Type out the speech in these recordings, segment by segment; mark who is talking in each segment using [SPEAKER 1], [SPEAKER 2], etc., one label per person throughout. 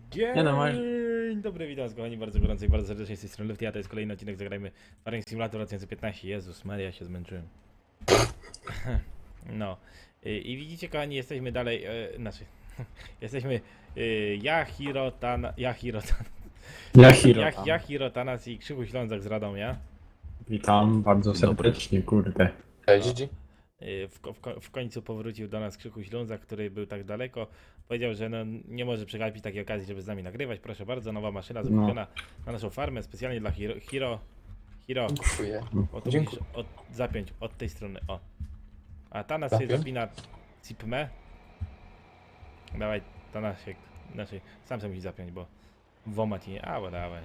[SPEAKER 1] Nie no, masz...
[SPEAKER 2] Dzień dobry, witam was kochani bardzo gorąco i bardzo serdecznie z tej strony Lufty, a to jest kolejny odcinek Zagrajmy Farming Simulator 2015. Jezus Maria, się zmęczyłem. No. I widzicie kochani, jesteśmy dalej, jesteśmy Yahiro Tanas i Krzychu Ślązak z Radomia.
[SPEAKER 1] Witam bardzo serdecznie, kurde.
[SPEAKER 3] Cześć.
[SPEAKER 2] W końcu powrócił do nas Krzychu Ślązak, który był tak daleko. Powiedział, że no, nie może przegapić takiej okazji, żeby z nami nagrywać. Proszę bardzo, nowa maszyna zakupiona na naszą farmę specjalnie dla Hiro.
[SPEAKER 3] Dziękuję.
[SPEAKER 2] O, tu
[SPEAKER 3] Dziękuję.
[SPEAKER 2] musisz zapiąć od tej strony, o. A Tanas się
[SPEAKER 3] Zapiąć?
[SPEAKER 2] zapina cipmę. Dawaj, Tanas się, znaczy sam sobie musi zapiąć, bo WOMA ci nie, dawaj.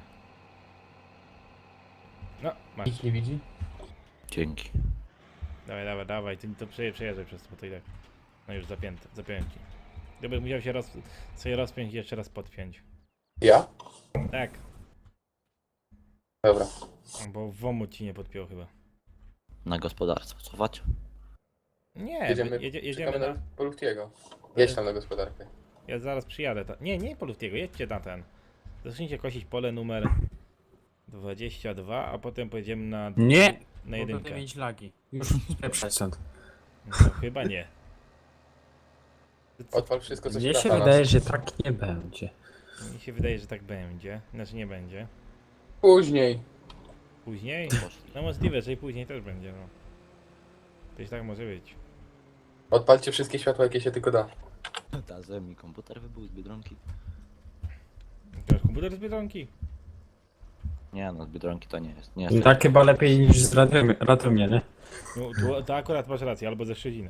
[SPEAKER 2] No, masz.
[SPEAKER 3] Nikt nie widzi?
[SPEAKER 4] Dzięki.
[SPEAKER 2] Dawaj, ty to przejeżdżaj przez to, bo to i tak. No już zapiąłem ci. Gdybyś musiał się sobie rozpiąć i jeszcze raz podpiąć.
[SPEAKER 3] Ja?
[SPEAKER 2] Tak,
[SPEAKER 3] Dobra.
[SPEAKER 2] bo WOMU ci nie podpiął chyba.
[SPEAKER 4] Na gospodarstwo cofać?
[SPEAKER 2] Nie, jedziemy
[SPEAKER 3] Czekamy
[SPEAKER 2] na...
[SPEAKER 3] na Poluftiego. Jedź tam na gospodarkę.
[SPEAKER 2] Ja zaraz przyjadę. Nie po Luftiego, jedźcie na ten. Zacznijcie kosić pole numer 22, a potem pojedziemy na...
[SPEAKER 1] Nie!
[SPEAKER 2] Na
[SPEAKER 1] Mogę
[SPEAKER 2] jedynkę.
[SPEAKER 1] mieć lagi. Już spieprzać stąd.
[SPEAKER 2] No, chyba nie.
[SPEAKER 3] Odpal wszystko, co
[SPEAKER 1] Mnie
[SPEAKER 3] da
[SPEAKER 1] się
[SPEAKER 3] na
[SPEAKER 1] wydaje,
[SPEAKER 3] nas.
[SPEAKER 1] że tak nie będzie.
[SPEAKER 2] Mi się wydaje, że tak będzie. Znaczy nie będzie.
[SPEAKER 3] Później.
[SPEAKER 2] Później?
[SPEAKER 4] Poszli.
[SPEAKER 2] No możliwe, że i później też będzie, no. Też tak może być.
[SPEAKER 3] Odpalcie wszystkie światła, jakie się tylko da.
[SPEAKER 4] Ta mi komputer wybył z Biedronki.
[SPEAKER 2] To jest komputer z Biedronki?
[SPEAKER 4] Nie no, z Biedronki to nie jest. Nie jest
[SPEAKER 1] Tak chyba lepiej niż z Radomia, nie?
[SPEAKER 2] No to akurat masz rację, albo ze Szczecina.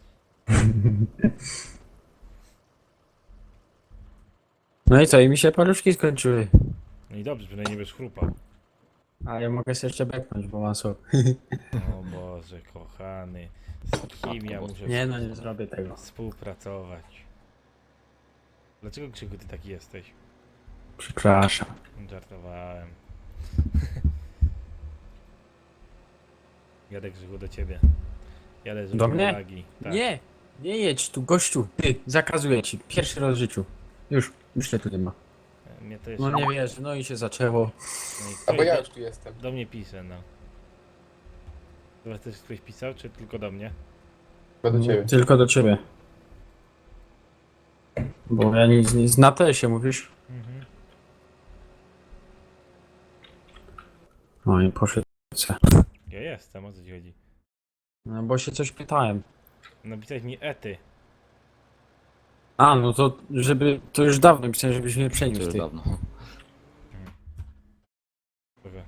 [SPEAKER 1] No i co, i mi się paluszki skończyły.
[SPEAKER 2] No i dobrze, przynajmniej nie będziesz chrupał.
[SPEAKER 1] A ja mogę sobie jeszcze beknąć, bo mam sok.
[SPEAKER 2] O Boże, kochany. Z kim ja muszę
[SPEAKER 1] Nie no, nie zrobię tego.
[SPEAKER 2] współpracować? Dlaczego Krzyku ty taki jesteś?
[SPEAKER 1] Przepraszam.
[SPEAKER 2] Żartowałem. Jadę Krzyku do ciebie. Jadę z
[SPEAKER 1] Do mnie?
[SPEAKER 2] Lagi. Tak.
[SPEAKER 1] Nie! Nie jedź tu, gościu! Ty, zakazuję ci. Pierwszy raz w życiu. Już się tu nie ma.
[SPEAKER 2] Mnie to jeszcze...
[SPEAKER 1] No nie wiesz, no i się zaczęło.
[SPEAKER 2] No i
[SPEAKER 3] A bo
[SPEAKER 2] ktoś
[SPEAKER 3] ja już tu jestem.
[SPEAKER 2] do mnie pisze, no. Chyba też ktoś pisał, czy tylko do mnie?
[SPEAKER 3] Chyba do ciebie.
[SPEAKER 1] Tylko do ciebie. Bo ja nic na te się mówisz.
[SPEAKER 2] Mhm.
[SPEAKER 1] No i poszedł.
[SPEAKER 2] Ja jestem, o co ci chodzi?
[SPEAKER 1] No bo się coś pytałem.
[SPEAKER 2] Napisałeś mi ety.
[SPEAKER 1] A, no to żeby, to już dawno myślałem, żebyś mnie
[SPEAKER 4] to
[SPEAKER 1] przeniósł,
[SPEAKER 4] już
[SPEAKER 1] ty.
[SPEAKER 4] dawno.
[SPEAKER 2] Dobra.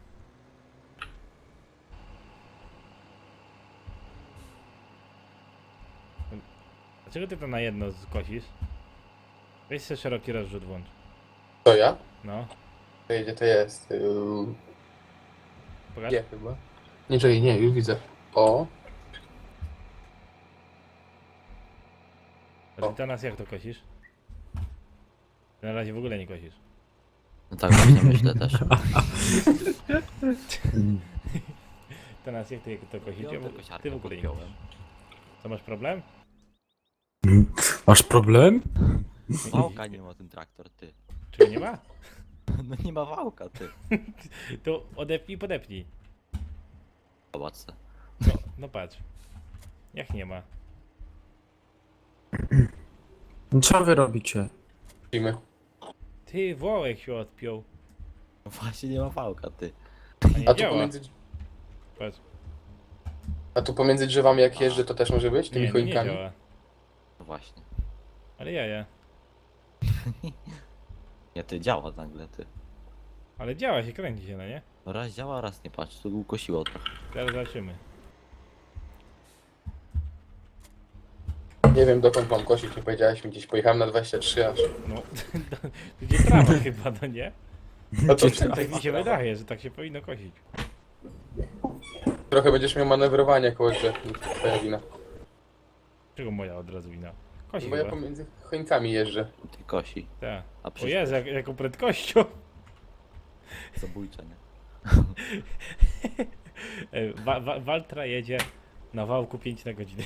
[SPEAKER 2] Dlaczego ty to na jedno skosisz? Weź sobie szeroki rozrzut włącz.
[SPEAKER 3] To ja?
[SPEAKER 2] No,
[SPEAKER 3] To jedzie, to jest.
[SPEAKER 2] pokaż.
[SPEAKER 3] Nie chyba. Nie, czekaj, nie, już widzę. O.
[SPEAKER 2] A ty teraz jak to kosisz? Ty na razie w ogóle nie kosisz.
[SPEAKER 4] No tak właśnie myślę też.
[SPEAKER 2] Teraz jak ty to kosisz?
[SPEAKER 4] Piątę
[SPEAKER 2] Ty
[SPEAKER 4] kosiarkę
[SPEAKER 2] w ogóle nie
[SPEAKER 4] podpiąłem.
[SPEAKER 2] kosisz. To masz problem?
[SPEAKER 1] Masz problem?
[SPEAKER 4] Wałka nie ma ten traktor, ty.
[SPEAKER 2] Czy nie ma?
[SPEAKER 4] No nie ma wałka, ty.
[SPEAKER 2] To odepnij, podepnij.
[SPEAKER 4] Zobacz se.
[SPEAKER 2] No patrz. Jak nie ma?
[SPEAKER 1] No co wy robicie?
[SPEAKER 3] Widzimy.
[SPEAKER 2] Ty, wołek się odpiął.
[SPEAKER 4] No właśnie nie ma wałka, ty.
[SPEAKER 2] A nie
[SPEAKER 3] A tu
[SPEAKER 2] działa.
[SPEAKER 3] pomiędzy,
[SPEAKER 2] Patrz.
[SPEAKER 3] a tu pomiędzy drzewami jak jeżdżę, to też może być? Tymi
[SPEAKER 2] Nie
[SPEAKER 3] choinkami?
[SPEAKER 2] działa.
[SPEAKER 4] No właśnie.
[SPEAKER 2] Ale ja.
[SPEAKER 4] Nie, ty działa nagle, ty.
[SPEAKER 2] Ale działa się, kręci się, no nie?
[SPEAKER 4] No raz działa, raz nie patrz, tu ukosiło trochę.
[SPEAKER 2] Teraz zobaczymy.
[SPEAKER 3] Nie wiem dokąd mam kosić, nie powiedziałeś mi gdzieś. Pojechałem na 23 aż.
[SPEAKER 2] No, to gdzie trawa chyba, no nie?
[SPEAKER 3] No to
[SPEAKER 2] Tak mi się wydaje, że tak się powinno kosić.
[SPEAKER 3] trochę będziesz miał manewrowanie koło drzew. Twoja wina.
[SPEAKER 2] Czego moja od razu wina? Kosi
[SPEAKER 3] Bo ja
[SPEAKER 2] chyba.
[SPEAKER 3] pomiędzy choinkami jeżdżę.
[SPEAKER 4] Ty kosi.
[SPEAKER 2] Tak.
[SPEAKER 4] A
[SPEAKER 2] O
[SPEAKER 4] przecież
[SPEAKER 2] Jezu, jaką prędkością.
[SPEAKER 4] zabójcze, nie?
[SPEAKER 2] Waltra jedzie na wałku 5 na godzinę.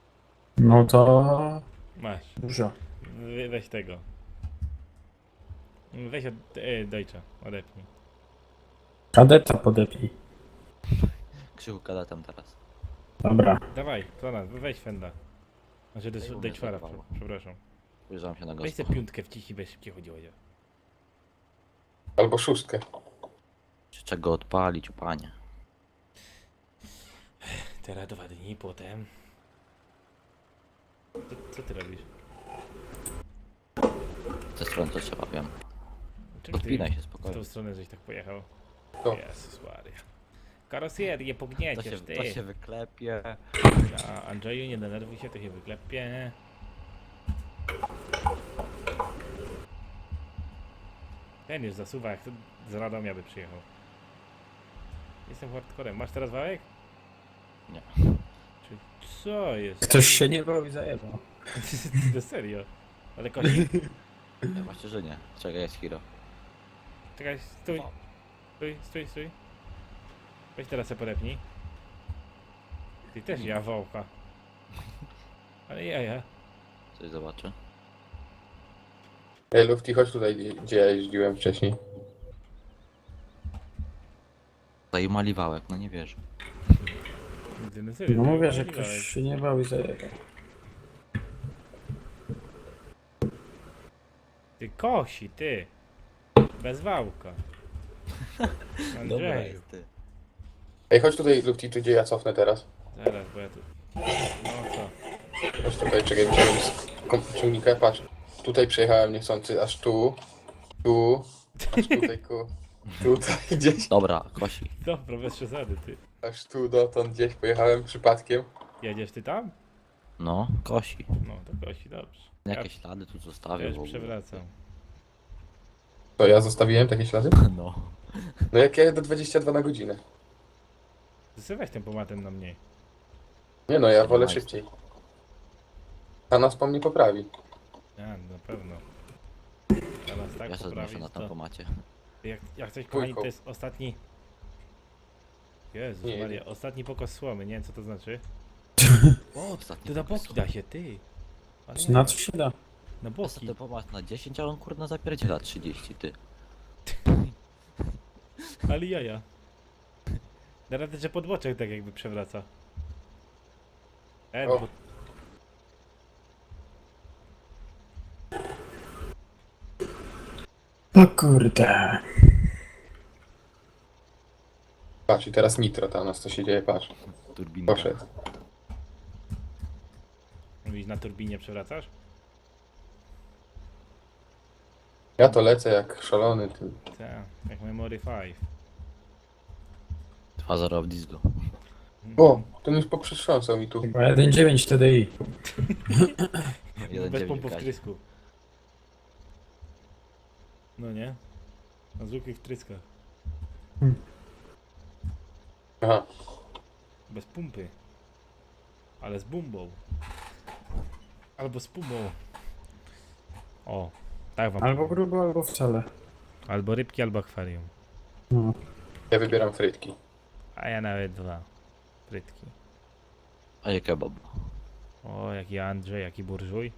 [SPEAKER 1] No to...
[SPEAKER 2] Masz.
[SPEAKER 1] Dużo.
[SPEAKER 2] Weź tego. Weź od Deutscha, odepnij.
[SPEAKER 1] Kadeta podepnij.
[SPEAKER 4] Krzychu kadetem teraz.
[SPEAKER 1] Dobra.
[SPEAKER 2] Dawaj, to nas, weź Fenda. Znaczy
[SPEAKER 4] Ej, u mnie
[SPEAKER 2] Deutschfara,
[SPEAKER 4] zlagowało.
[SPEAKER 2] przepraszam.
[SPEAKER 4] Spojrzałem się na
[SPEAKER 2] Weź tę
[SPEAKER 4] gospo.
[SPEAKER 2] piątkę wciśnij, bez szybciej chodziło.
[SPEAKER 3] Albo 6.
[SPEAKER 4] Czy czego odpalić, panie?
[SPEAKER 2] Teraz 2 dni potem. Co ty robisz?
[SPEAKER 4] Ze strony to trzeba, wiem.
[SPEAKER 2] Czym ty
[SPEAKER 4] Podpinaj się
[SPEAKER 2] w
[SPEAKER 4] spokojnie.
[SPEAKER 2] tą stronę żeś tak pojechał?
[SPEAKER 3] To.
[SPEAKER 2] Jezus Maria. Karoserię
[SPEAKER 4] To
[SPEAKER 2] pognieciesz, ty.
[SPEAKER 4] się wyklepie.
[SPEAKER 2] A Andrzeju, nie denerwuj się, to się wyklepie. Ten już zasuwa, jak to z Radomia by przyjechał. Jestem hardcorem. Masz teraz wałek?
[SPEAKER 4] Nie.
[SPEAKER 2] Czy co jest?
[SPEAKER 1] Ktoś się nie bał i zajebał.
[SPEAKER 2] To serio. Ale kości.
[SPEAKER 4] Ja właśnie, że nie. Czekaj, jest hero.
[SPEAKER 2] Czekaj, stój. Stój. Weź teraz se podepnij. Ty też ja wałka. Ale ja.
[SPEAKER 4] Coś zobaczę.
[SPEAKER 3] Ej, Lufty, chodź tutaj, gdzie ja jeździłem wcześniej.
[SPEAKER 4] Zajumali wałek, no nie wierzę.
[SPEAKER 2] Ty, no serio,
[SPEAKER 1] No
[SPEAKER 2] to
[SPEAKER 1] mówię, że
[SPEAKER 2] możliwe,
[SPEAKER 1] ktoś się nie bał i zajebał.
[SPEAKER 2] Ty kosi, ty. Bez wałka.
[SPEAKER 4] Dobra
[SPEAKER 2] Andrzeju.
[SPEAKER 4] jest, ty.
[SPEAKER 3] Ej, chodź tutaj, Lufty, tu gdzie ja cofnę teraz.
[SPEAKER 2] Zaraz, bo ja tu... No co?
[SPEAKER 3] Chodź tutaj, czekaj, wyciągnę z ciągnika, patrz. Tutaj przejechałem niechcący, aż tu, aż tutaj tutaj gdzieś,
[SPEAKER 4] Dobra, kosi.
[SPEAKER 2] Dobra, bez przesady, ty.
[SPEAKER 3] aż tu dotąd gdzieś pojechałem przypadkiem.
[SPEAKER 2] Jedziesz ty tam?
[SPEAKER 4] No, kosi.
[SPEAKER 2] No, to kosi, dobrze.
[SPEAKER 4] Jakie ślady tu
[SPEAKER 2] Ja
[SPEAKER 4] zostawił w
[SPEAKER 2] już
[SPEAKER 4] ogóle.
[SPEAKER 2] przewracam.
[SPEAKER 3] To ja zostawiłem takie ślady?
[SPEAKER 4] No.
[SPEAKER 3] No jak ja jedę 22 na godzinę.
[SPEAKER 2] Zasyłaj tempomatem na mniej.
[SPEAKER 3] Nie no, ja wolę
[SPEAKER 4] 17.
[SPEAKER 3] szybciej. A nas po mnie poprawi.
[SPEAKER 2] Ja, na pewno. Teraz tak
[SPEAKER 4] Ja się znoszę
[SPEAKER 2] poprawić,
[SPEAKER 4] na
[SPEAKER 2] to...
[SPEAKER 4] tempomacie.
[SPEAKER 2] Jak coś, kochani, to
[SPEAKER 3] Dwójką.
[SPEAKER 2] jest ostatni... Jezus
[SPEAKER 3] Nie,
[SPEAKER 2] Maria, ostatni pokos słomy, nie wiem co to znaczy.
[SPEAKER 4] O, ostatni
[SPEAKER 2] To na boki da się, ty. Ale
[SPEAKER 1] Na co się da?
[SPEAKER 2] na boki.
[SPEAKER 4] Ostatni pomysł na 10, a on kurna zapierdziela 30, ty.
[SPEAKER 2] Ale jaja. Da radę, że podboczek tak jakby przewraca.
[SPEAKER 3] O.
[SPEAKER 2] Bo...
[SPEAKER 1] O kurde.
[SPEAKER 3] Patrz, i teraz nitro tam, u nas co się dzieje, patrz.
[SPEAKER 4] Turbinka.
[SPEAKER 3] Poszedł.
[SPEAKER 2] Mówisz, na turbinie przewracasz?
[SPEAKER 3] Ja to lecę jak szalony, ty.
[SPEAKER 2] Tak, jak Memory 5.
[SPEAKER 4] 2-0 w disco.
[SPEAKER 3] O, ten już poprzetrząsał mi tu.
[SPEAKER 1] Chyba 1.9 TDI.
[SPEAKER 2] Bez
[SPEAKER 4] 1-9
[SPEAKER 2] pompów
[SPEAKER 4] Kazik.
[SPEAKER 2] wtrysku. No nie? Na zwykłych wtryskach.
[SPEAKER 3] Aha.
[SPEAKER 2] Bez pumpy. Ale z bumbą. Albo z pumą. O, tak wam.
[SPEAKER 1] Albo grubo, albo wcale.
[SPEAKER 2] Albo rybki, albo akwarium.
[SPEAKER 1] No.
[SPEAKER 3] Ja wybieram frytki.
[SPEAKER 2] A ja nawet 2. Frytki.
[SPEAKER 4] A je kebab.
[SPEAKER 2] O, jaki Andrzej, jaki burżuj.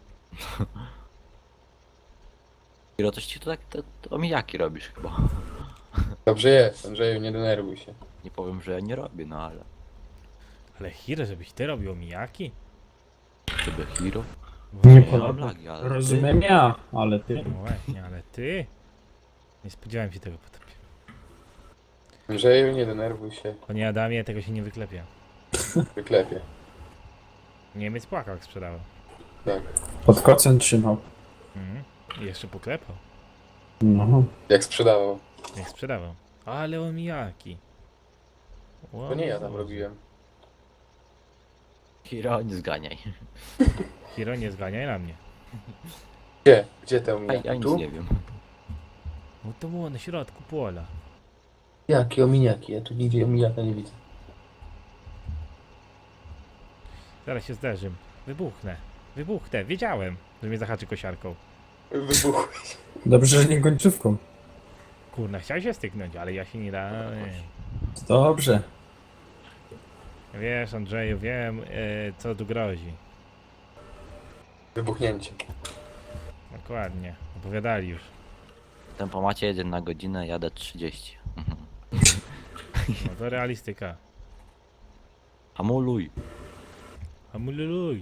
[SPEAKER 4] Hiro, coś ci to tak to omijaki robisz chyba.
[SPEAKER 3] Dobrze jest, Andrzeju, nie denerwuj się.
[SPEAKER 4] Nie powiem, że ja nie robię, no ale...
[SPEAKER 2] Ale Hiro, żebyś ty robił omijaki?
[SPEAKER 4] Żeby Hiro?
[SPEAKER 1] Nie
[SPEAKER 4] Ja
[SPEAKER 1] podoba.
[SPEAKER 4] mam lagi, ale...
[SPEAKER 1] Rozumiem ja, ale ty.
[SPEAKER 2] No właśnie, ale ty? Nie spodziewałem się tego po tobie.
[SPEAKER 3] Andrzeju, nie denerwuj się.
[SPEAKER 2] Panie Adamie, tego się nie wyklepie.
[SPEAKER 3] Wyklepie.
[SPEAKER 2] Niemiec płakał jak sprzedałem.
[SPEAKER 3] Tak.
[SPEAKER 1] Pod kocem trzymał.
[SPEAKER 2] Mhm. I jeszcze poklepał.
[SPEAKER 1] No.
[SPEAKER 3] Jak sprzedawał.
[SPEAKER 2] Jak sprzedawał. Ale omijaki.
[SPEAKER 3] To nie ja tam robiłem.
[SPEAKER 4] Hiro, nie zganiaj.
[SPEAKER 2] Hiro, nie zganiaj na mnie.
[SPEAKER 3] Gdzie? Gdzie te
[SPEAKER 4] Ja
[SPEAKER 3] ominiaki?
[SPEAKER 4] nic
[SPEAKER 3] Tu?
[SPEAKER 4] nie wiem.
[SPEAKER 2] No to było na środku pola.
[SPEAKER 3] Jakie ominiaki? Ja tu nigdzie ominiaka nie widzę.
[SPEAKER 2] Zaraz się zderzym. Wybuchnę. Wiedziałem, że mnie zahaczy kosiarką.
[SPEAKER 3] Wybuchły.
[SPEAKER 1] Dobrze, że nie końcówką.
[SPEAKER 2] Kurna, chciał się styknąć, ale ja się nie dałem.
[SPEAKER 1] Dobrze.
[SPEAKER 2] Wiesz, Andrzeju, wiem, co tu grozi.
[SPEAKER 3] Wybuchnięcie.
[SPEAKER 2] Dokładnie. Opowiadali już.
[SPEAKER 4] Tempomacie 1 na godzinę, jadę 30.
[SPEAKER 2] No to realistyka.
[SPEAKER 4] Hamuluj.
[SPEAKER 2] Hamululuj.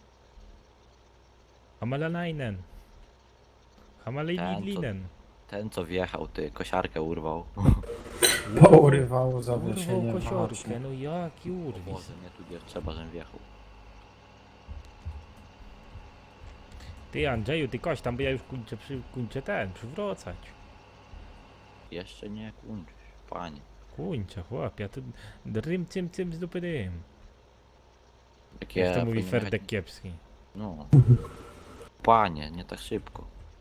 [SPEAKER 2] Hamalanainen. Hamalejidlinen.
[SPEAKER 4] Ten co wjechał, ty kosiarkę urwał.
[SPEAKER 1] Pourywało zawieszenie.
[SPEAKER 2] Urwał kosiorkę,
[SPEAKER 1] właśnie.
[SPEAKER 2] no jaki urwis.
[SPEAKER 4] Boże, nie tu gdzie trzeba, żebym wjechał.
[SPEAKER 2] Ty Andrzeju, ty koś tam, bo ja już kończę przywracać.
[SPEAKER 4] Jeszcze nie kończysz, panie.
[SPEAKER 2] Kończę, chłop, ja tu drym cym z dupy dym.
[SPEAKER 4] Jak
[SPEAKER 2] Jak to mówi
[SPEAKER 4] powinien
[SPEAKER 2] Ferdek
[SPEAKER 4] jechać-
[SPEAKER 2] Kiepski.
[SPEAKER 4] No. Panie, nie tak szybko.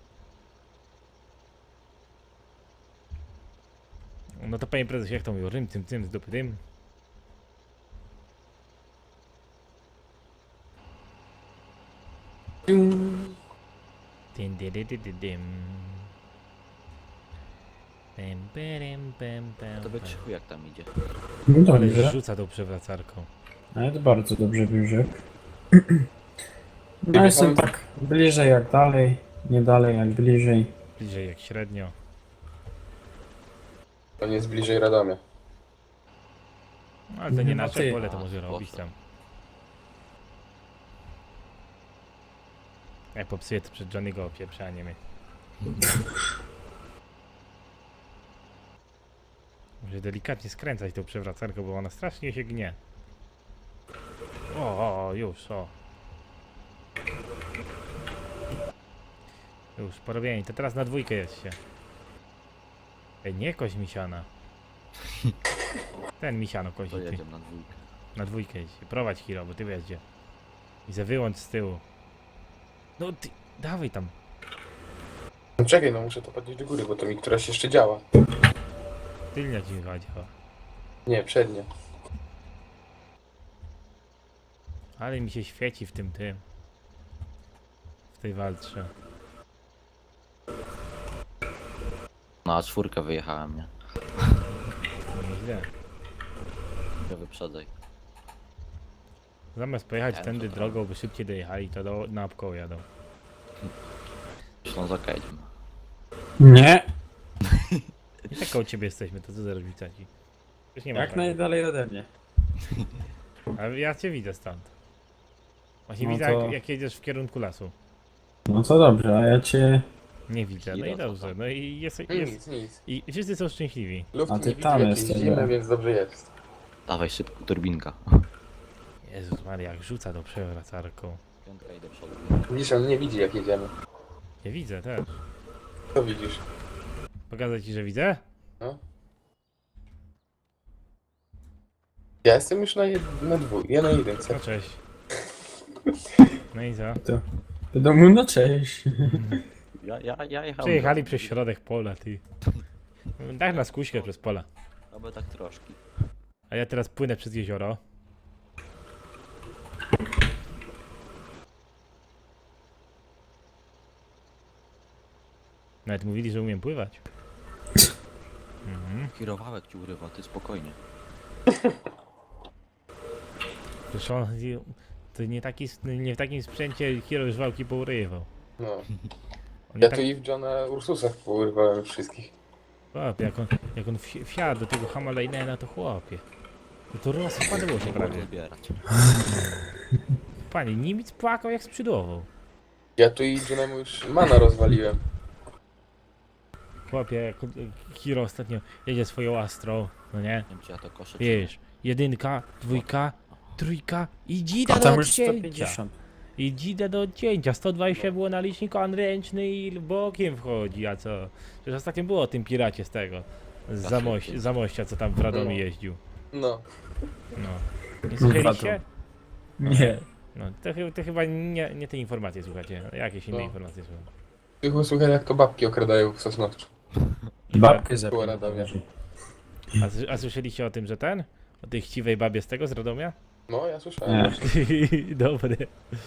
[SPEAKER 2] No to panie prezesie, jak to mówił, rym cym z dupy dym. Dym, dy, dy, dy, dy, dym. Pem, perem, pem, pem,
[SPEAKER 4] To by
[SPEAKER 2] pem.
[SPEAKER 4] Krzychu jak tam idzie.
[SPEAKER 1] No
[SPEAKER 2] Ale
[SPEAKER 1] dobrze.
[SPEAKER 2] rzuca tą przewracarką.
[SPEAKER 1] Ale bardzo dobrze Biurzek. No jestem tak bliżej jak dalej, nie dalej jak bliżej.
[SPEAKER 2] Bliżej jak średnio.
[SPEAKER 3] On jest bliżej Radomia.
[SPEAKER 2] No, ale to nie
[SPEAKER 1] Nie, no
[SPEAKER 2] nasze
[SPEAKER 1] ty.
[SPEAKER 2] pole, to może robić
[SPEAKER 4] Proszę.
[SPEAKER 2] tam. Jak popsuję to przed Johnny'ego opieprzanie mnie. Muszę delikatnie skręcać tą przewracarkę, bo ona strasznie się gnie. O, już, o. Już, porobieni. To teraz na dwójkę jest się. Ej, nie koś misiana. Ten misiano kozi,
[SPEAKER 4] To
[SPEAKER 2] ty.
[SPEAKER 4] jedziemy na dwójkę.
[SPEAKER 2] Na dwójkę jedź. Prowadź Hiro, bo ty wiesz gdzie. I za wyłącz z tyłu. No ty, dawaj tam.
[SPEAKER 3] No czekaj, no muszę to podnieść do góry, bo to mi któraś jeszcze działa.
[SPEAKER 2] Tylnia ci chyba działa.
[SPEAKER 3] Nie, przednie.
[SPEAKER 2] Ale mi się świeci w tym. W tej walce.
[SPEAKER 4] No a czwórkę wyjechałem, nie?
[SPEAKER 2] Nieźle.
[SPEAKER 4] Nie wyprzedzaj.
[SPEAKER 2] Zamiast pojechać
[SPEAKER 4] Ja
[SPEAKER 2] tędy
[SPEAKER 4] to
[SPEAKER 2] drogą, by szybciej dojechali, to na obkoło jadą.
[SPEAKER 4] Ślązoka jedziemy.
[SPEAKER 1] Nie,
[SPEAKER 2] I tak koło ciebie jesteśmy, to co za różnica ci? Już nie ma
[SPEAKER 1] jak
[SPEAKER 2] prawa.
[SPEAKER 1] najdalej ode mnie.
[SPEAKER 2] Ale ja cię widzę stąd. Właśnie
[SPEAKER 1] No
[SPEAKER 2] widzę
[SPEAKER 1] to-
[SPEAKER 2] jak jedziesz w kierunku lasu.
[SPEAKER 1] No co dobrze, a ja cię...
[SPEAKER 2] Nie widzę, no i
[SPEAKER 4] Hiro, co
[SPEAKER 2] dobrze.
[SPEAKER 4] tam?
[SPEAKER 2] No i jest.
[SPEAKER 3] Nic.
[SPEAKER 2] I wszyscy są szczęśliwi.
[SPEAKER 3] Luft
[SPEAKER 1] A
[SPEAKER 3] nie
[SPEAKER 1] ty
[SPEAKER 3] widzi,
[SPEAKER 1] tam
[SPEAKER 3] jakieś
[SPEAKER 1] jesteś,
[SPEAKER 3] zimne,
[SPEAKER 1] ja.
[SPEAKER 3] więc dobrze jest.
[SPEAKER 4] Dawaj szybko, turbinka.
[SPEAKER 2] Jezus Maria, jak rzuca tą przewracarką.
[SPEAKER 4] Piątka i do przodu.
[SPEAKER 3] Widzisz, on nie widzi jak jedziemy.
[SPEAKER 2] Ja widzę też.
[SPEAKER 3] Co widzisz?
[SPEAKER 2] Pokazać ci, że widzę?
[SPEAKER 3] No. Ja jestem już na dwóch, ja na jedynce.
[SPEAKER 2] No cześć. No i co?
[SPEAKER 1] Do domu, no cześć.
[SPEAKER 4] Ja jechałem.
[SPEAKER 2] Przejechali przez środek pola, ty. Daj nas kuśkę przez pola.
[SPEAKER 4] Albo tak troszkę.
[SPEAKER 2] A ja teraz płynę przez jezioro. Nawet mówili, że umiem pływać. Mhm.
[SPEAKER 4] Kierowałek ci urywa, ty spokojnie.
[SPEAKER 2] Przecież on, to nie w takim sprzęcie Hiro już wałki pourywał.
[SPEAKER 3] No.
[SPEAKER 2] On
[SPEAKER 3] Ja
[SPEAKER 2] nie
[SPEAKER 3] tu i w Johna Ursusach pourywałem wszystkich.
[SPEAKER 2] Chłopie, jak on wsiadł do tego Hamaleinena, to chłopie. To rozpadło się
[SPEAKER 4] Mogę
[SPEAKER 2] prawie.
[SPEAKER 4] zbierać.
[SPEAKER 2] Panie, Niemiec płakał jak sprzydłował.
[SPEAKER 3] Ja tu i Johnemu już mana rozwaliłem.
[SPEAKER 2] Chłopie, jak Hiro ostatnio jedzie swoją Astrą, no nie?
[SPEAKER 4] Nie wiem czy ja to koszę. czy
[SPEAKER 2] Wiesz, jedynka, dwójka, trójka i dzida
[SPEAKER 1] A
[SPEAKER 2] do
[SPEAKER 1] tam już
[SPEAKER 2] odcięcia.
[SPEAKER 1] 150.
[SPEAKER 2] I dzida do odcięcia. 120 było na liczniku, on ręczny i bokiem wchodzi, a co? Przecież ostatnio było o tym piracie z tego. Z Zamościa, co tam w Radomie jeździł.
[SPEAKER 3] No.
[SPEAKER 2] No. Nie słyszeliście?
[SPEAKER 1] Ratom. Nie.
[SPEAKER 2] No, to chyba nie te informacje słuchacie. Jakieś inne
[SPEAKER 3] No.
[SPEAKER 2] informacje słucham.
[SPEAKER 3] Tylko słuchaj jak to babki okradają w Sosnowcu.
[SPEAKER 1] Babkę zabił.
[SPEAKER 3] Była Radomia.
[SPEAKER 2] A słyszeliście o tym, że ten? O tej chciwej babie z tego, z Radomia?
[SPEAKER 3] No, ja słyszałem.
[SPEAKER 1] Nie.
[SPEAKER 2] Dobre.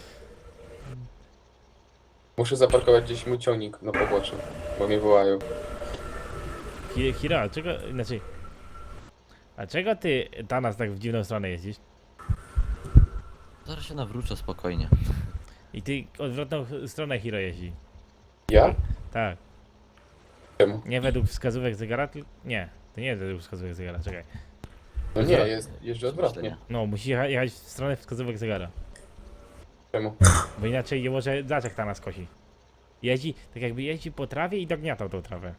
[SPEAKER 3] Muszę zaparkować gdzieś mój ciągnik na poboczu, bo mnie wołają.
[SPEAKER 2] Hira, a czego, znaczy... A czego ty, Tanas, tak w dziwną stronę jeździsz?
[SPEAKER 4] Zaraz się nawrócę spokojnie.
[SPEAKER 2] I ty odwrotną stronę Hiro jeździ.
[SPEAKER 3] Ja?
[SPEAKER 2] Tak.
[SPEAKER 3] Czemu? Czemu?
[SPEAKER 2] Nie według wskazówek zegara, nie. To nie jest według wskazówek zegara, czekaj.
[SPEAKER 3] No nie, jeżdżę odwrotnie.
[SPEAKER 2] No, musi jechać w stronę wskazówek zegara.
[SPEAKER 3] Czemu?
[SPEAKER 2] Bo inaczej nie może zaczek ta nas kosi. Jeździ, tak jakby jeździ po trawie i dogniatał tą trawę.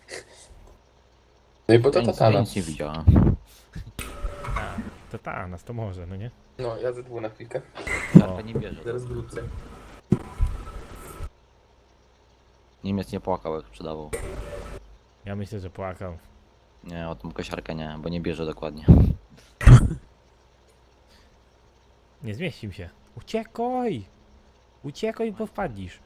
[SPEAKER 3] No i bo to
[SPEAKER 4] Ja
[SPEAKER 3] tatana.
[SPEAKER 4] nic nie widziałem.
[SPEAKER 2] To ta nas to może, no nie?
[SPEAKER 3] No, ja ze dwóch na chwilkę.
[SPEAKER 4] Szarpa nie bierze.
[SPEAKER 3] Zaraz wrócę.
[SPEAKER 4] Niemiec nie płakał jak sprzedawał.
[SPEAKER 2] Ja myślę, że płakał.
[SPEAKER 4] Nie, o tą kosiarkę nie, bo nie bierze dokładnie.
[SPEAKER 2] Nie zmieścił się. Uciekaj! Uciekaj, bo wpadnisz.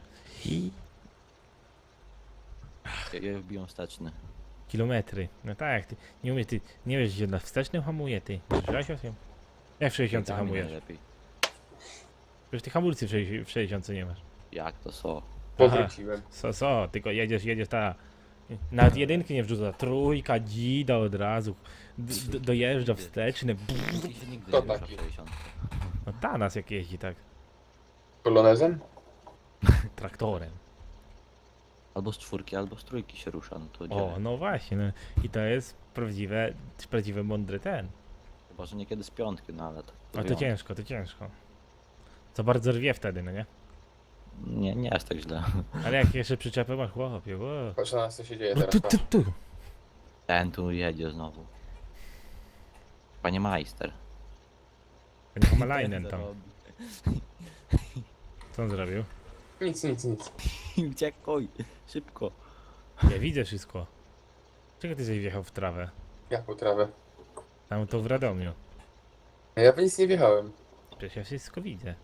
[SPEAKER 4] Ja wbiją wsteczny.
[SPEAKER 2] Kilometry. No tak, ty nie umiesz, ty nie wiesz, gdzie na wstecznym hamuje, ty. Słyszałeś o tym? Jak w 60
[SPEAKER 4] Biegami
[SPEAKER 2] hamujesz?
[SPEAKER 4] najlepiej.
[SPEAKER 2] Przecież ty hamulcy w 60 nie masz.
[SPEAKER 4] Jak to so?
[SPEAKER 3] Powróciłem.
[SPEAKER 2] Tylko jedziesz ta... Nawet jedynki nie wrzuca, trójka, dzida od razu. Dojeżdża wsteczny.
[SPEAKER 4] Nikt się nigdy
[SPEAKER 3] To
[SPEAKER 4] nie rusza w
[SPEAKER 3] taki.
[SPEAKER 4] 60.
[SPEAKER 2] No ta nas jak jeździ tak.
[SPEAKER 3] Polonezem?
[SPEAKER 2] Traktorem.
[SPEAKER 4] Albo z czwórki, albo z trójki się rusza, no to
[SPEAKER 2] O,
[SPEAKER 4] gdzie?
[SPEAKER 2] no właśnie. No. I to jest prawdziwy mądry ten.
[SPEAKER 4] Chyba, że niekiedy z piątki, no ale to...
[SPEAKER 2] A to ciężko, to ciężko. Co bardzo rwie wtedy, no nie?
[SPEAKER 4] Nie jest tak źle.
[SPEAKER 2] Ale jak jeszcze przyczepę masz, chłopie, wow.
[SPEAKER 3] Patrz na nas, co się dzieje
[SPEAKER 2] No
[SPEAKER 3] teraz. patrz.
[SPEAKER 2] tu.
[SPEAKER 4] Ten tu jedzie znowu. Panie majster.
[SPEAKER 2] Panie Homalainen tam. Co on zrobił?
[SPEAKER 3] Nic.
[SPEAKER 4] Uciekaj, szybko.
[SPEAKER 2] Ja widzę wszystko. Czego ty żeś wjechał w trawę?
[SPEAKER 3] Jak po trawę.
[SPEAKER 2] Tam to w Radomiu.
[SPEAKER 3] Ja w nic nie wjechałem.
[SPEAKER 2] Przecież ja wszystko widzę.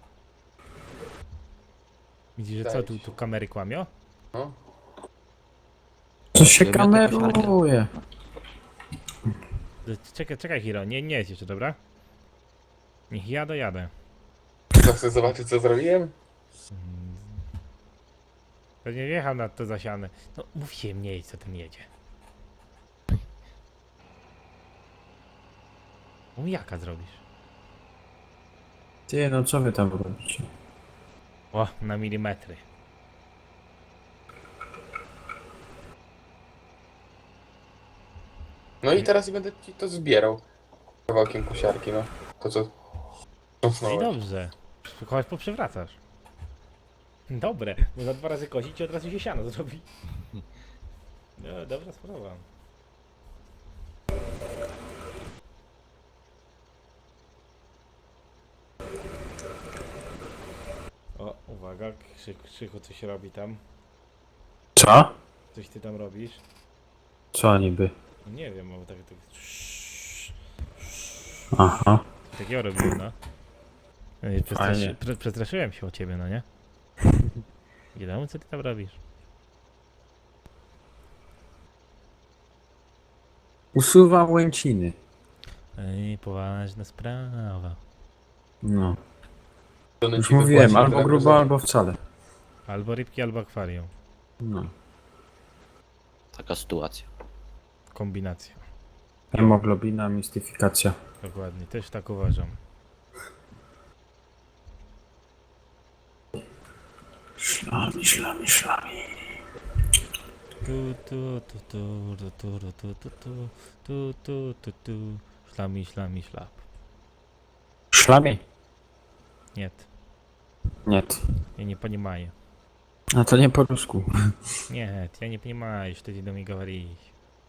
[SPEAKER 2] Widzisz, że
[SPEAKER 3] Wydaje
[SPEAKER 2] co,
[SPEAKER 3] ci
[SPEAKER 2] tu
[SPEAKER 3] się.
[SPEAKER 2] kamery kłamią?
[SPEAKER 3] No.
[SPEAKER 1] Co się
[SPEAKER 4] Ja miałem taką
[SPEAKER 1] kameruje?
[SPEAKER 2] Czekaj Hiro, nie jedź jeszcze, dobra? Niech ja dojadę.
[SPEAKER 3] To chcesz zobaczyć, co zrobiłem?
[SPEAKER 2] Pewnie wjechał na to zasiane. No mów się mniej, co ten jedzie. No jaka zrobisz?
[SPEAKER 1] Ty, no co wy tam robicie?
[SPEAKER 2] O, na milimetry.
[SPEAKER 3] No i teraz będę ci to zbierał. Kawałkiem kosiarki, no. To co?
[SPEAKER 2] No i
[SPEAKER 3] Ząsnąłeś.
[SPEAKER 2] dobrze. Chodź poprzewracasz. Dobre, można 2 razy kosić i od razu się siano zrobi. No, dobra sprawa. O, uwaga, Krzychu coś robi tam.
[SPEAKER 1] Co?
[SPEAKER 2] Coś ty tam robisz?
[SPEAKER 1] Co niby?
[SPEAKER 2] No nie wiem, bo tak
[SPEAKER 1] Aha.
[SPEAKER 2] takiego robiłem, no.
[SPEAKER 1] Fajnie.
[SPEAKER 2] Przestraszyłem się o ciebie, no nie? Nie wiem, co ty tam robisz.
[SPEAKER 1] Usuwam łęciny.
[SPEAKER 2] Ej, poważna sprawa.
[SPEAKER 1] No.
[SPEAKER 3] Żony
[SPEAKER 1] Już
[SPEAKER 3] ci
[SPEAKER 1] mówiłem,
[SPEAKER 3] wypłaci
[SPEAKER 1] albo
[SPEAKER 3] za
[SPEAKER 1] grubo,
[SPEAKER 3] gryzonie.
[SPEAKER 1] albo wcale.
[SPEAKER 2] Albo rybki, albo akwarium.
[SPEAKER 1] No.
[SPEAKER 4] Taka sytuacja.
[SPEAKER 2] Kombinacja.
[SPEAKER 1] Hemoglobina, mistyfikacja.
[SPEAKER 2] Dokładnie, też tak uważam.
[SPEAKER 1] Szlami.
[SPEAKER 2] Szlami, szlap.
[SPEAKER 1] Szlami?
[SPEAKER 2] Nie,
[SPEAKER 1] Nie.
[SPEAKER 2] ja nie понимаю.
[SPEAKER 1] A to nie po rusku.
[SPEAKER 2] Нет, я не понимаю, что ты до меня говоришь.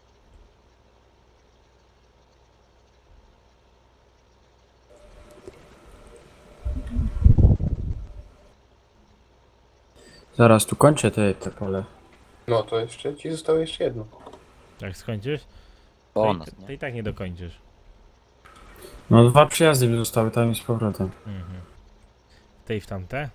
[SPEAKER 1] Zaraz tu kończę te pole.
[SPEAKER 3] No to jeszcze ci zostało jeszcze jedno.
[SPEAKER 2] Jak skończysz,
[SPEAKER 4] Bonus,
[SPEAKER 2] to
[SPEAKER 4] nie?
[SPEAKER 2] i tak nie dokończysz.
[SPEAKER 1] No 2 przyjazdy mi zostały tam i z powrotem.
[SPEAKER 2] Mhm. W te i w tamte.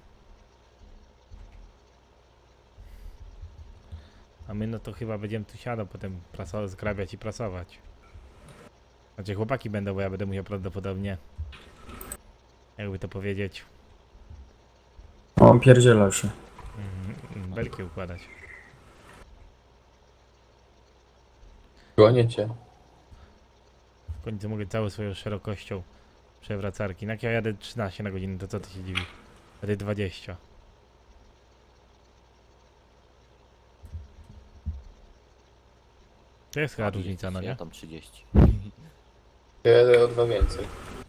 [SPEAKER 2] A my no to chyba będziemy tu siadał, potem zgrabiać i prasować. Znaczy chłopaki będą, bo ja będę musiał prawdopodobnie, jakby to powiedzieć,
[SPEAKER 1] O, pierdzielał się.
[SPEAKER 2] belki układać.
[SPEAKER 3] Gonię cię.
[SPEAKER 2] W końcu mogę całą swoją szerokością przewracarki. No jak ja jadę 13 na godzinę, to co ty się dziwi? A ty 20. To jest chyba różnica, no
[SPEAKER 4] Ja
[SPEAKER 2] nie?
[SPEAKER 4] tam 30.
[SPEAKER 3] Ja jadę o 2 więcej.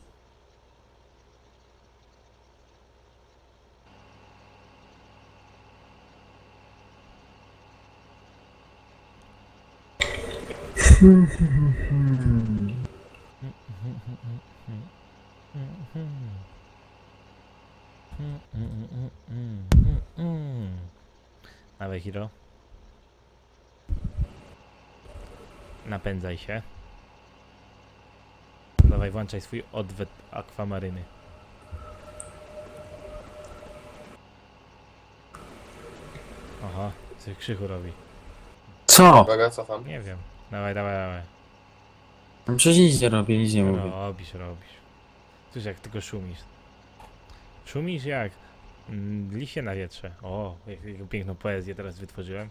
[SPEAKER 2] Dawaj, Hiro. Napędzaj się. Dawaj, włączaj swój odwet akwamaryny. Aha, coś Krzychu robi.
[SPEAKER 1] Co?
[SPEAKER 3] Uwaga, cofam.
[SPEAKER 2] Nie wiem. Dawaj, dawaj, dawaj.
[SPEAKER 1] No przecież nic nie robię, nic nie mówię.
[SPEAKER 2] Robisz, robisz. Słysz, jak tylko szumisz. Szumisz jak liście na wietrze. O, jaką piękną poezję teraz wytworzyłem.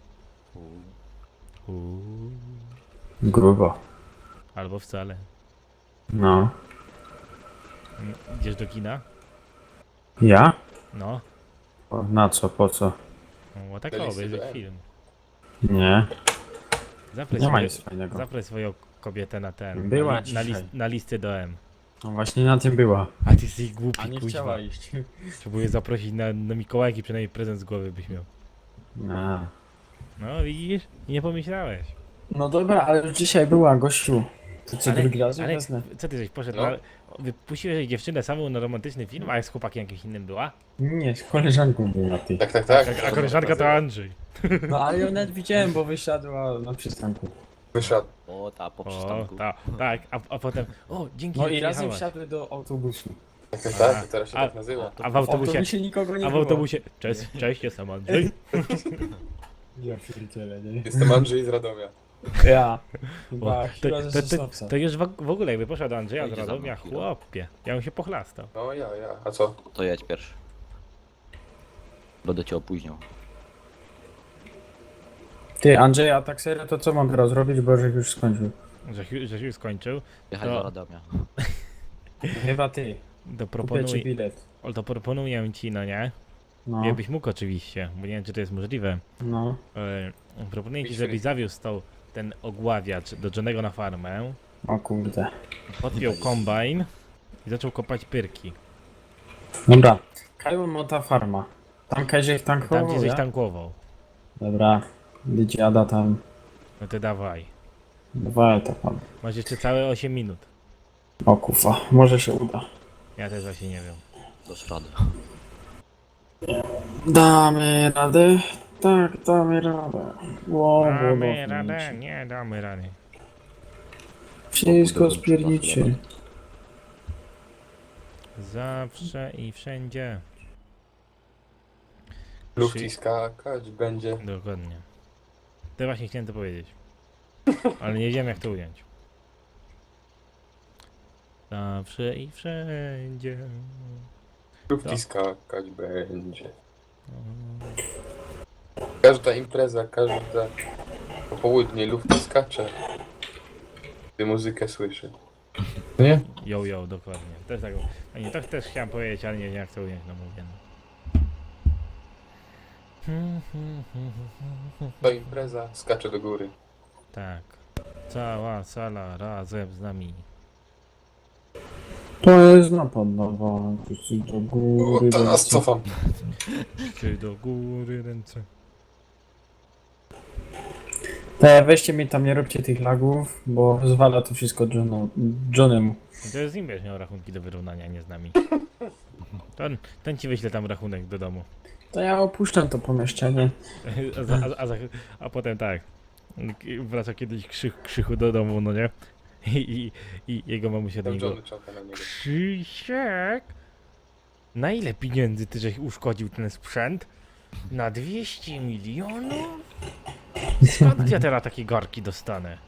[SPEAKER 2] Uuu.
[SPEAKER 1] Grubo.
[SPEAKER 2] Albo wcale.
[SPEAKER 1] No.
[SPEAKER 2] Idziesz do kina?
[SPEAKER 1] Ja?
[SPEAKER 2] No.
[SPEAKER 1] O, na co, po co?
[SPEAKER 2] O, tak
[SPEAKER 3] Byliście
[SPEAKER 2] obejrzeć
[SPEAKER 3] do M.
[SPEAKER 2] film.
[SPEAKER 1] Nie.
[SPEAKER 2] Zaproś,
[SPEAKER 1] Nie ma
[SPEAKER 2] swoje,
[SPEAKER 1] nic fajnego.
[SPEAKER 2] zaproś swoją kobietę na ten.
[SPEAKER 1] Była
[SPEAKER 2] na,
[SPEAKER 1] dzisiaj.
[SPEAKER 2] na listy do M.
[SPEAKER 1] No właśnie na tym była.
[SPEAKER 2] A ty jesteś głupi,
[SPEAKER 1] A nie
[SPEAKER 2] kuźwa.
[SPEAKER 1] chciała iść.
[SPEAKER 2] Próbuję zaprosić na Mikołajki, przynajmniej prezent z głowy byś miał.
[SPEAKER 1] A.
[SPEAKER 2] No widzisz? I nie pomyślałeś.
[SPEAKER 1] No dobra, ale już dzisiaj była, gościu. To co, drugi raz
[SPEAKER 2] ale
[SPEAKER 1] wezmę?
[SPEAKER 2] co ty żeś poszedł?
[SPEAKER 3] No.
[SPEAKER 2] Wypuściłeś dziewczynę samą na romantyczny film, a jak z chłopakiem jakimś innym była?
[SPEAKER 1] Nie, z koleżanką była ty.
[SPEAKER 3] Tak, tak, tak.
[SPEAKER 2] A koleżanka to Andrzej.
[SPEAKER 1] No ale ją nawet widziałem, bo wysiadła na przystanku.
[SPEAKER 3] Wyszedł.
[SPEAKER 4] O, ta po
[SPEAKER 2] O,
[SPEAKER 4] przystanku.
[SPEAKER 2] tak, a potem, o, dzięki,
[SPEAKER 1] No
[SPEAKER 2] że
[SPEAKER 1] i razem
[SPEAKER 2] przyjechałaś.
[SPEAKER 1] wsiadły do autobusu.
[SPEAKER 3] Tak, tak, tak. To teraz się
[SPEAKER 2] A-
[SPEAKER 3] tak nazywa.
[SPEAKER 2] A w
[SPEAKER 1] W
[SPEAKER 2] autobusie,
[SPEAKER 1] autobusie nikogo nie
[SPEAKER 2] a w
[SPEAKER 1] było.
[SPEAKER 2] autobusie, cześć, jestem Andrzej.
[SPEAKER 1] Ja pierdzielę, nie?
[SPEAKER 3] Jestem Andrzej z Radomia.
[SPEAKER 1] Ja.
[SPEAKER 2] O,
[SPEAKER 1] Chyba chyba ze Sosnowca.
[SPEAKER 2] to już w ogóle jakby poszedł do Andrzeja z
[SPEAKER 4] Pojedzie za mną
[SPEAKER 2] Radomia,
[SPEAKER 4] chwilę.
[SPEAKER 2] chłopie, ja bym się pochlastał.
[SPEAKER 3] No ja. A co?
[SPEAKER 4] To jedź pierwszy. Będę cię opóźniał.
[SPEAKER 1] Ty, Andrzej, a tak serio, to co mam teraz robić, bo żeś już skończył?
[SPEAKER 2] Że się już skończył,
[SPEAKER 4] Jechać
[SPEAKER 2] To-
[SPEAKER 4] do Radomia.
[SPEAKER 1] Chyba ty.
[SPEAKER 2] to
[SPEAKER 1] Kupię ci
[SPEAKER 2] proponuję,
[SPEAKER 1] bilet.
[SPEAKER 2] proponuję ci, no nie?
[SPEAKER 1] No,
[SPEAKER 2] Jakbyś mógł oczywiście, bo nie wiem czy to jest możliwe.
[SPEAKER 1] no.
[SPEAKER 2] Proponuję ci,
[SPEAKER 3] Być
[SPEAKER 2] żebyś
[SPEAKER 3] free.
[SPEAKER 2] zawiózł ten ogławiacz do Johnego na farmę,
[SPEAKER 1] O kurde.
[SPEAKER 2] podpiął kombajn i zaczął kopać pyrki.
[SPEAKER 1] Dobra. Kajła Mota Farma. Tam Kajżech
[SPEAKER 2] Tam
[SPEAKER 1] tankował,
[SPEAKER 2] gdzie żeś
[SPEAKER 1] ja?
[SPEAKER 2] tankował.
[SPEAKER 1] Dobra. Dziada tam.
[SPEAKER 2] No to dawaj.
[SPEAKER 1] Dwa tam.
[SPEAKER 2] Masz jeszcze całe 8 minut.
[SPEAKER 1] O kufa, może się uda.
[SPEAKER 2] Ja też właśnie nie wiem.
[SPEAKER 4] Dasz radę.
[SPEAKER 1] Damy radę? Tak, damy radę.
[SPEAKER 2] Damy radę? Nie damy rady.
[SPEAKER 1] Wszystko spiernicie.
[SPEAKER 2] Zawsze i wszędzie.
[SPEAKER 3] Lufci skakać będzie.
[SPEAKER 2] Dokładnie. To właśnie chciałem to powiedzieć. Ale nie wiem jak to ująć. Zawsze i wszędzie.
[SPEAKER 3] Lufci skakać będzie. Każda impreza, każda popołudnie lufti skacze. Gdy muzykę słyszy. Nie?
[SPEAKER 2] Jo, dokładnie. Też tak. A nie, to też chciałem powiedzieć, ale nie wiem jak to ująć, no mówię. No.
[SPEAKER 3] To impreza skacze do góry.
[SPEAKER 2] Tak. Cała sala razem z nami.
[SPEAKER 1] To jest napad na wam. Wszyscy do góry.
[SPEAKER 3] O, to nas
[SPEAKER 1] lecą.
[SPEAKER 3] cofam.
[SPEAKER 2] Czy do góry ręce.
[SPEAKER 1] Te, weźcie mi tam, nie róbcie tych lagów, bo zwala to wszystko Johnemu.
[SPEAKER 2] I to jest z nim będziesz miał rachunki do wyrównania, nie z nami. Ten ci wyśle tam rachunek do domu.
[SPEAKER 1] To ja opuszczam to pomieszczenie.
[SPEAKER 2] A potem tak. Wraca kiedyś Krzychu do domu, no nie? I jego mamusia do
[SPEAKER 3] Tam
[SPEAKER 2] niego.
[SPEAKER 3] Johnny czeka na niego.
[SPEAKER 2] Krzysiek! Na ile pieniędzy ty żeś uszkodził ten sprzęt? Na 200 milionów? Skąd ja teraz takie garki dostanę?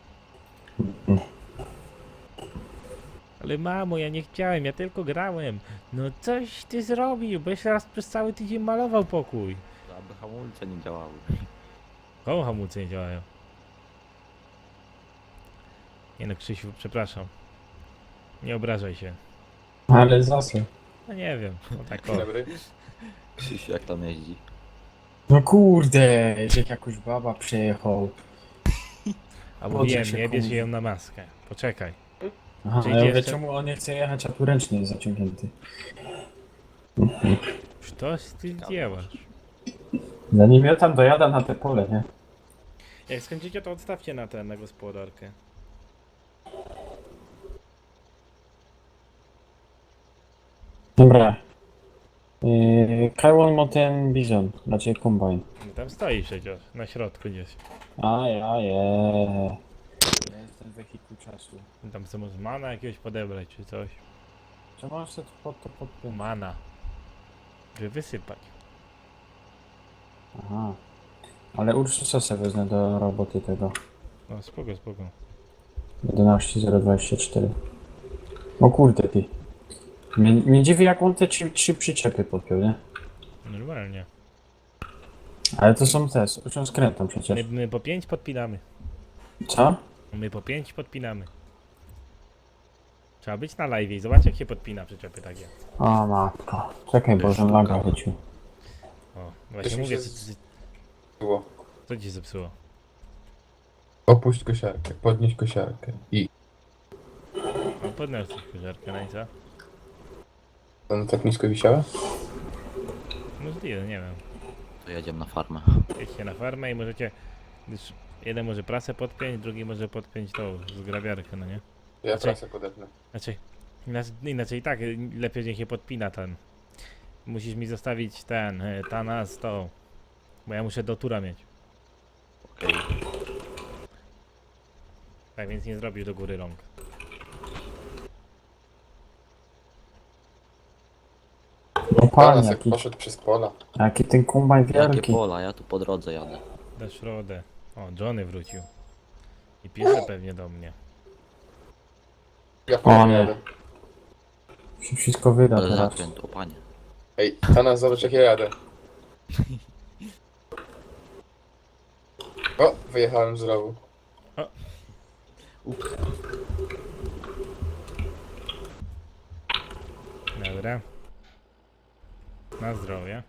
[SPEAKER 2] Ale mamo, ja nie chciałem, ja tylko grałem. No coś ty zrobił, bo jeszcze raz przez cały tydzień malował pokój.
[SPEAKER 4] Aby hamulce nie działały.
[SPEAKER 2] Koło hamulce nie działają. Nie no, Krzysiu, przepraszam. Nie obrażaj się.
[SPEAKER 1] Ale zasy.
[SPEAKER 2] No nie wiem, no tak o.
[SPEAKER 3] Dzień dobry.
[SPEAKER 4] Krzysiu, jak tam jeździ?
[SPEAKER 1] No kurde, jak jakoś baba przyjechał.
[SPEAKER 2] A
[SPEAKER 1] Podrze
[SPEAKER 2] mówiłem,
[SPEAKER 1] się
[SPEAKER 2] nie bierz
[SPEAKER 1] komuś.
[SPEAKER 2] ją na maskę. Poczekaj.
[SPEAKER 1] Aha,
[SPEAKER 2] Czy
[SPEAKER 1] ale ja mówię,
[SPEAKER 2] jeszcze-
[SPEAKER 1] czemu on nie chce jechać, a tu ręcznie jest zaciągnięty.
[SPEAKER 2] Coś ty dziełasz.
[SPEAKER 1] Zanim ja tam dojadę na te pole, nie?
[SPEAKER 2] Jak skończycie, to odstawcie na gospodarkę.
[SPEAKER 1] Dobra. Kajłon ma ten bizon, znaczy kombajn.
[SPEAKER 2] No tam stoi przecież, na środku gdzieś.
[SPEAKER 1] A ja je. Ja jestem wehikuł czasu.
[SPEAKER 2] Tam co może mana jakiegoś podebrać czy coś.
[SPEAKER 1] Czy masz to podpiąć?
[SPEAKER 2] Mana. Żeby wysypać.
[SPEAKER 1] Aha. Ale Ursusa sobie wezmę do roboty tego.
[SPEAKER 2] No spoko, spoko.
[SPEAKER 1] 11024. O kurde ty. Mnie dziwi jak on te trzy przyczepy podpiął, nie?
[SPEAKER 2] Normalnie.
[SPEAKER 1] Ale to są te, z skrętą przecież.
[SPEAKER 2] My po 5 podpinamy.
[SPEAKER 1] Co?
[SPEAKER 2] My po 5 podpinamy. Trzeba być na live i zobacz jak się podpina przyczepy takie.
[SPEAKER 1] O matko. Czekaj,
[SPEAKER 4] To
[SPEAKER 1] bo
[SPEAKER 4] jest
[SPEAKER 1] że laga
[SPEAKER 4] sztuka.
[SPEAKER 1] chycił.
[SPEAKER 2] O, właśnie
[SPEAKER 3] Coś mi
[SPEAKER 2] mówię,
[SPEAKER 3] się Było.
[SPEAKER 2] co ci zepsuło?
[SPEAKER 3] Opuść kosiarkę, podnieś kosiarkę. I
[SPEAKER 2] No podniósł coś kożarkę, no i co?
[SPEAKER 3] ona tak nisko wisiała?
[SPEAKER 2] Możliwe, nie wiem.
[SPEAKER 4] To jedziemy na farmę.
[SPEAKER 2] Jedźcie na farmę i możecie... Gdyż jeden może prasę podpiąć, drugi może podpiąć tą zgrabiarkę, no nie?
[SPEAKER 3] Ja
[SPEAKER 2] Znaczy-
[SPEAKER 3] prasę podepnę.
[SPEAKER 2] Znaczy, inaczej tak, lepiej niech się podpina ten. Musisz mi zostawić ten, Tana z tą. Bo ja muszę do tura mieć.
[SPEAKER 4] Okej.
[SPEAKER 2] Tak więc nie zrobisz do góry rąk.
[SPEAKER 1] No
[SPEAKER 3] Pana
[SPEAKER 1] pan,
[SPEAKER 3] jak
[SPEAKER 1] jaki,
[SPEAKER 3] poszedł przez pola.
[SPEAKER 1] jaki ten kombajn
[SPEAKER 4] Jakie
[SPEAKER 1] wielki.
[SPEAKER 4] pola, ja tu po drodze jadę.
[SPEAKER 2] Dasz radę. O, Johnny wrócił. I pisze pewnie do mnie.
[SPEAKER 3] Ja
[SPEAKER 1] O
[SPEAKER 3] po
[SPEAKER 1] nie.
[SPEAKER 3] jadę.
[SPEAKER 1] Się wszystko wyda
[SPEAKER 4] Ale
[SPEAKER 1] teraz.
[SPEAKER 4] zakręt, o panie.
[SPEAKER 3] Ej, Tana, zobacz jak ja jadę. O, wyjechałem z rowu.
[SPEAKER 4] Ups.
[SPEAKER 2] Dobra. Na zdrowie.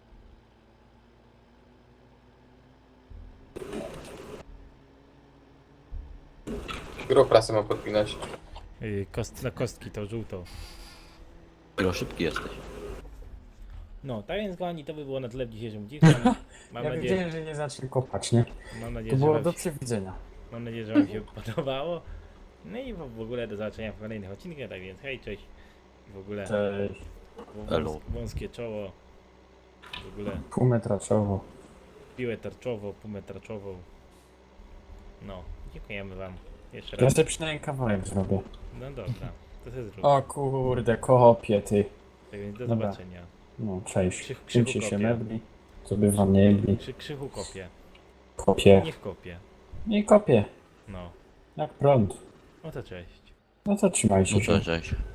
[SPEAKER 3] Którą prasę mam podpinać?
[SPEAKER 2] Na kostki to żółtą.
[SPEAKER 4] Iro, szybki jesteś.
[SPEAKER 2] No, tak więc kochani, to by było na tyle w dzisiejszym odcinku. Mam
[SPEAKER 1] Ja
[SPEAKER 2] nadzieję,
[SPEAKER 1] wiedziałem, że nie zacznie kopać, nie?
[SPEAKER 2] mam
[SPEAKER 1] To
[SPEAKER 2] nadzieję, że
[SPEAKER 1] było
[SPEAKER 2] wam
[SPEAKER 1] do
[SPEAKER 2] się,
[SPEAKER 1] przewidzenia.
[SPEAKER 2] mam nadzieję, że wam się podobało. No i w ogóle do zobaczenia w kolejnych odcinkach, tak więc hej, cześć. I w ogóle
[SPEAKER 1] Cześć.
[SPEAKER 4] Elo.
[SPEAKER 2] wąskie czoło. W ogóle
[SPEAKER 1] Pół metra czoło.
[SPEAKER 2] piłę tarczową, półmetraczową. No, dziękujemy wam jeszcze
[SPEAKER 1] Ja
[SPEAKER 2] raz.
[SPEAKER 1] sobie przynajmniej kawałek zrobię.
[SPEAKER 2] No dobra, to się zrób.
[SPEAKER 1] O kurde, kopie ty.
[SPEAKER 2] Tak więc do
[SPEAKER 1] Dobra.
[SPEAKER 2] zobaczenia.
[SPEAKER 1] No, cześć.
[SPEAKER 2] Krzychu
[SPEAKER 1] Czymcie się
[SPEAKER 2] kopie.
[SPEAKER 1] mebli. Co by wam nie jebli.
[SPEAKER 2] Krzychu kopie.
[SPEAKER 1] Kopie.
[SPEAKER 2] Niech kopie.
[SPEAKER 1] I kopie.
[SPEAKER 2] No,
[SPEAKER 1] Jak prąd.
[SPEAKER 2] no to cześć.
[SPEAKER 1] No to trzymajcie
[SPEAKER 4] No
[SPEAKER 1] się.
[SPEAKER 4] cześć.